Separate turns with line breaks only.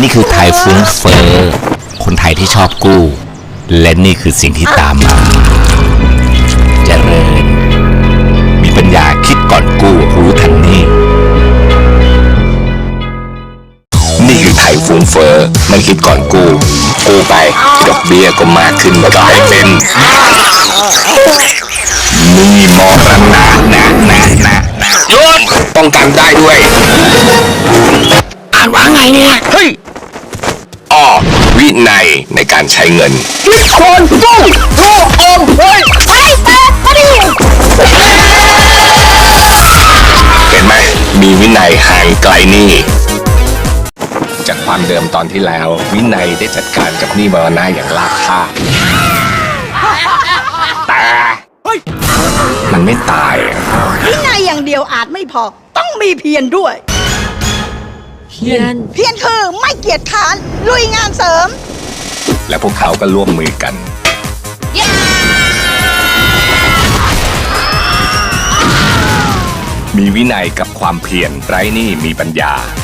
นี่คือไทยฟุ้งเฟ้อคนไทยที่ชอบกู้ และนี่คือสิ่งที่ตามมาเจริญมีปัญญาคิดก่อนกู้รู้ทันนี่นี่คือไทยฟุ้งเฟ้อไม่คิดก่อนกู้ไปดอกเบี้ยก็มากขึ้นกลายเป็นนี่มอรณะหยุดป้องกันได้ด้วยอ่านว่าไงเนี่ยเฮ้ยวินัยในการใช้เงินคิดคนกู้อมเฮ้ยเห็นไหมมีวินัยห่างไกลหนี้จากความเดิมตอนที่แล้ววินัยได้จัดการกับหนี้มรณะอย่างราบคาบแต่มันไม่ตาย
วินัยอย่างเดียวอาจไม่พอต้องมีเพียรด้วยเพียรคือไม่เกียจค้านลุยงานเสริม
และพวกเขาก็ร่วมมือกันมีวินัยกับความเพียรไร้หนี้มีปัญญา